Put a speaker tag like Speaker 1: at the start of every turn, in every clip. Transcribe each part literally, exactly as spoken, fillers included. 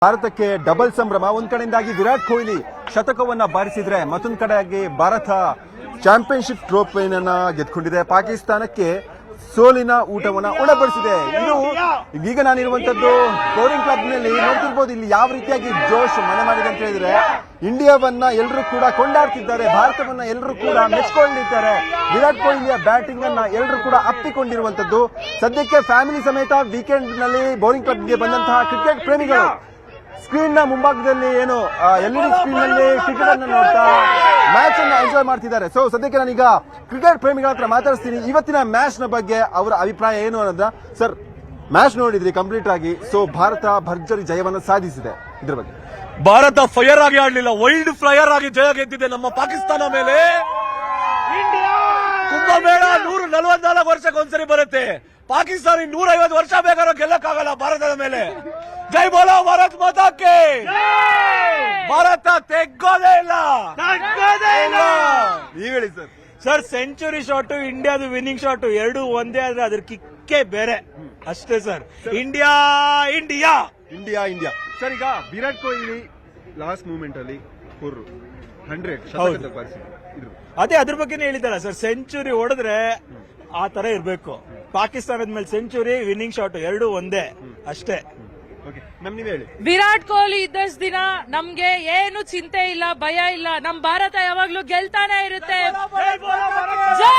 Speaker 1: ಭಾರತಕ್ಕೆ ಡಬಲ್ ಸಂಭ್ರಮ. ಒಂದ್ ಕಡೆಯಿಂದಾಗಿ ವಿರಾಟ್ ಕೊಹ್ಲಿ ಶತಕವನ್ನ ಬಾರಿಸಿದ್ರೆ ಮತ್ತೊಂದ್ ಕಡೆಯಾಗಿ ಭಾರತ ಚಾಂಪಿಯನ್ಶಿಪ್ ಟ್ರೋಫಿಯನ್ನ ಗೆದ್ಕೊಂಡಿದೆ. ಪಾಕಿಸ್ತಾನಕ್ಕೆ ಸೋಲಿನ ಊಟವನ್ನ ಉಣಬಡಿಸಿದೆ. ಇದು ಈಗ ನಾನಿರುವಂತದ್ದು ಬೌಲಿಂಗ್ ಕ್ಲಬ್ ನಲ್ಲಿ ನೋಡ್ತಿರ್ಬೋದು. ಇಲ್ಲಿ ಯಾವ ರೀತಿಯಾಗಿ ಜೋಶ್ ಮನೆ ಮಾಡಿದೆ ಅಂತ ಹೇಳಿದ್ರೆ ಇಂಡಿಯಾವನ್ನ ಎಲ್ಲರೂ ಕೂಡ ಕೊಂಡಾಡ್ತಿದ್ದಾರೆ, ಭಾರತವನ್ನ ಎಲ್ಲರೂ ಕೂಡ ಮೆಚ್ಕೊಂಡಿದ್ದಾರೆ. ವಿರಾಟ್ ಕೊಹ್ಲಿಯ ಬ್ಯಾಟಿಂಗ್ ಅನ್ನ ಎಲ್ಲರೂ ಕೂಡ ಅಪ್ಪಿಕೊಂಡಿರುವಂತದ್ದು. ಸದ್ಯಕ್ಕೆ ಫ್ಯಾಮಿಲಿ ಸಮೇತ ವೀಕೆಂಡ್ ನಲ್ಲಿ ಬೌಲಿಂಗ್ ಕ್ಲಬ್ಗೆ ಬಂದಂತಹ ಕ್ರಿಕೆಟ್ ಪ್ರೇಮಿಗಳು ಸ್ಕ್ರೀನ್ ನ ಮುಂಭಾಗದಲ್ಲಿ ಏನು ಎಲ್ ಇ ಡಿ ಸ್ಕ್ರೀನ್ ನಲ್ಲಿ ಕ್ರಿಕೆಟ್ ಅನ್ನು ನೋಡ್ತಾ ಮ್ಯಾಚ್ ಅನ್ನು ಎಂಜಾಯ್ ಮಾಡ್ತಿದ್ದಾರೆ. ಸೊ ಸದ್ಯಕ್ಕೆ ನಾನೀಗ ಕ್ರಿಕೆಟ್ ಪ್ರೇಮಿಗಳ ಹತ್ರ ಮಾತಾಡಿಸ್ತೀನಿ. ಇವತ್ತಿನ ಮ್ಯಾಚ್ ನ ಬಗ್ಗೆ ಅವರ ಅಭಿಪ್ರಾಯ ಏನು ಅನ್ನೋದ. ಸರ್, ಮ್ಯಾಚ್ ನೋಡಿದ್ರಿ ಕಂಪ್ಲೀಟ್ ಆಗಿ. ಸೊ ಭಾರತ ಭರ್ಜರಿ ಜಯವನ್ನು ಸಾಧಿಸಿದೆ, ಇದ್ರ ಬಗ್ಗೆ
Speaker 2: ಭಾರತ ಫೈರ್ ಆಗಿ ಆಡ್ಲಿಲ್ಲ, ವೈಲ್ಡ್ ಫ್ಲೈಯರ್ ಆಗಿ ಜಯ ಗೆದ್ದಿದೆ ನಮ್ಮ ಪಾಕಿಸ್ತಾನ ಮೇಲೆ. ಕುಂಭಮೇಳ ನೂರ ನಲವತ್ನಾಲ್ಕು ವರ್ಷಕ್ಕೆ ಒಂದ್ಸರಿ ಬರುತ್ತೆ. ಪಾಕಿಸ್ತಾನ ನೂರ ಐವತ್ತು ವರ್ಷ ಬೇಕಾದ್ರೂ ಗೆಲ್ಲಕ್ಕಾಗಲ್ಲ ಭಾರತದ ಮೇಲೆ. ಜೈ ಬೋಲೋ ಭಾರತ್ ಮಾತಾಕ್ಕೆ. ಭಾರತ ತೆಗ್ಗೋದೇ ಇಲ್ಲ.
Speaker 1: ನೀವ್ ಹೇಳಿ ಸರ್.
Speaker 2: ಸರ್, ಸೆಂಚುರಿ ಶಾಟ್ ಇಂಡಿಯಾದ ವಿನ್ನಿಂಗ್ ಶಾಟ್ ಎರಡು ಒಂದೇ ಆದ್ರೆ ಅದ್ರ ಕಿಕ್ಕೇ ಬೇರೆ ಅಷ್ಟೇ sir. India India
Speaker 1: India India sir. ಈಗ ವಿರಾಟ್ ಕೊಹ್ಲಿ ಲಾಸ್ಟ್ ಮೂಮೆಂಟ್ ಅಲ್ಲಿ ಫೋರ್ ಹಂಡ್ರೆಡ್
Speaker 2: ಅದೇ ಅದ್ರ ಬಗ್ಗೆನೇ ಹೇಳಿದಾರ ಸರ್. ಸೆಂಚುರಿ ಹೊಡೆದ್ರೆ ಆ ತರ ಇರ್ಬೇಕು. ಪಾಕಿಸ್ತಾನದ ಮೇಲೆ ಸೆಂಚುರಿ, ವಿನ್ನಿಂಗ್ ಶಾಟ್ ಎರಡು ಒಂದೇ ಅಷ್ಟೇ.
Speaker 3: ವಿರಾಟ್ ಕೊಹ್ಲಿ ಇದ್ದಷ್ಟು ದಿನ ನಮ್ಗೆ ಏನು ಚಿಂತೆ ಇಲ್ಲ, ಭಯ ಇಲ್ಲ. ನಮ್ ಭಾರತ ಯಾವಾಗ್ಲೂ ಗೆಲ್ತಾನೆ ಇರುತ್ತೆ. ಜೈ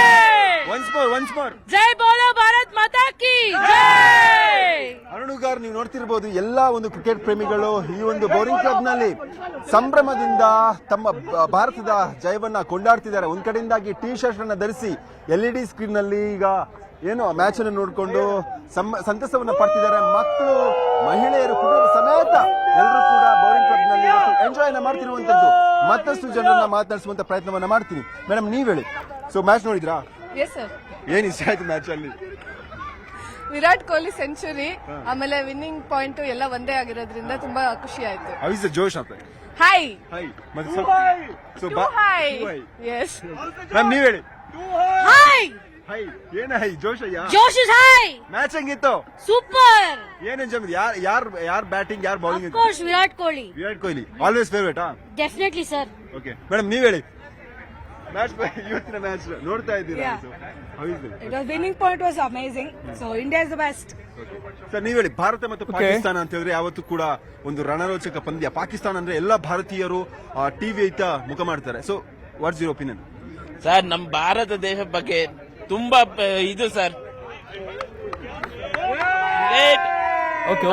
Speaker 3: ಜೈ ಬೋಲೋ ಭಾರತ್ ಮಾತಾ ಕಿ ಜೈ.
Speaker 1: ಅರುಣುಗಾರ್, ನೀವು ನೋಡ್ತಿರ್ಬೋದು ಎಲ್ಲಾ ಒಂದು ಕ್ರಿಕೆಟ್ ಪ್ರೇಮಿಗಳು ಈ ಒಂದು ಬೌಲಿಂಗ್ ಕ್ಲಬ್ ನಲ್ಲಿ ಸಂಭ್ರಮದಿಂದ ತಮ್ಮ ಭಾರತದ ಜಯವನ್ನ ಕೊಂಡಾಡ್ತಿದ್ದಾರೆ. ಒಂದ್ ಕಡೆಯಿಂದಾಗಿ ಟಿ ಶರ್ಟ್ ಅನ್ನ ಧರಿಸಿ ಎಲ್ ಇ ಡಿ ಸ್ಕ್ರೀನ್ ನಲ್ಲಿ ಈಗ ಏನು ಮ್ಯಾಚ್ ಅನ್ನು ನೋಡಿಕೊಂಡು ಸಂತಸವನ್ನ ಪಡ್ತಿದ್ದಾರೆ. ಮಕ್ಕಳು, ಮಹಿಳೆಯರು, ಕುಟುಂಬ ಸಮೇತ ಎಲ್ಲರೂ ಕೂಡ ಬೌಲಿಂಗ್ ಕ್ಲಬ್ ನಲ್ಲಿ ಎಂಜಾಯ್ ಮಾಡ್ತಿರುವಂತದ್ದು. ಮತ್ತಷ್ಟು ಜನರನ್ನ ಮಾತನಾಡಿಸುವಂತ ಪ್ರಯತ್ನವನ್ನ ಮಾಡ್ತೀನಿ. ಮೇಡಮ್, ನೀವ್ ಹೇಳಿ. ಸೊ ಮ್ಯಾಚ್ ನೋಡಿದ್ರಾ? ಏನ್ ಇಷ್ಟ ಆಯ್ತು ಮ್ಯಾಚ್ ಅಲ್ಲಿ?
Speaker 4: ವಿರಾಟ್ ಕೊಹ್ಲಿ ಸೆಂಚುರಿ, ಆಮೇಲೆ ವಿನ್ನಿಂಗ್ ಪಾಯಿಂಟ್ ಎಲ್ಲ ಒಂದೇ ಆಗಿರೋದ್ರಿಂದ ತುಂಬಾ ಖುಷಿ ಆಯ್ತು.
Speaker 1: How is the josh of it?
Speaker 4: High
Speaker 1: high ಮತ್ತೆ
Speaker 4: ಸೊ ಹೈ. ಎಸ್
Speaker 1: ಮ್ಯಾಮ್, ನೀವ್ ಹೇಳಿ.
Speaker 3: ಹೈ
Speaker 1: ಹೈ ಏನ high josh?
Speaker 3: Josh is high.
Speaker 1: Match ಹೆಂಗಿತ್ತು?
Speaker 3: ಸೂಪರ್.
Speaker 1: ಏನ್ ಎಂಜಾಯ್? ಯಾರ್ ಯಾರ್ ಯಾರ್ ಬ್ಯಾಟಿಂಗ್, ಯಾರ್ bowling?
Speaker 3: Of course Virat Kohli.
Speaker 1: Virat Kohli always favourite. ಹಾ,
Speaker 3: ಡೆಫಿನೆಟ್ಲಿ ಸರ್.
Speaker 1: ಓಕೆ ಮೇಡಮ್, ನೀವ್ ಹೇಳಿ. ಮ್ಯಾಚ್ ಇವತ್ತಿನ ಮ್ಯಾಚ್ ನೋಡ್ತಾ ಇದ್ದೀರಾ?
Speaker 4: Winning point was amazing. So India is the best.
Speaker 1: Sir, ನೀವ್ ಹೇಳಿ. ಭಾರತ ಮತ್ತು ಪಾಕಿಸ್ತಾನ ಅಂತ ಹೇಳಿದ್ರೆ ಯಾವತ್ತೂ ಕೂಡ ಒಂದು ರಣರೋಚಕ ಪಂದ್ಯ. ಪಾಕಿಸ್ತಾನ ಅಂದ್ರೆ ಎಲ್ಲ ಭಾರತೀಯರು ಟಿವಿ ಐತ ಮುಖ ಮಾಡ್ತಾರೆ. So what's your opinion?
Speaker 5: Sir, ನಮ್ಮ ಭಾರತ ದೇಶ ಬಗ್ಗೆ ತುಂಬಾ ಇದು ಸರ್.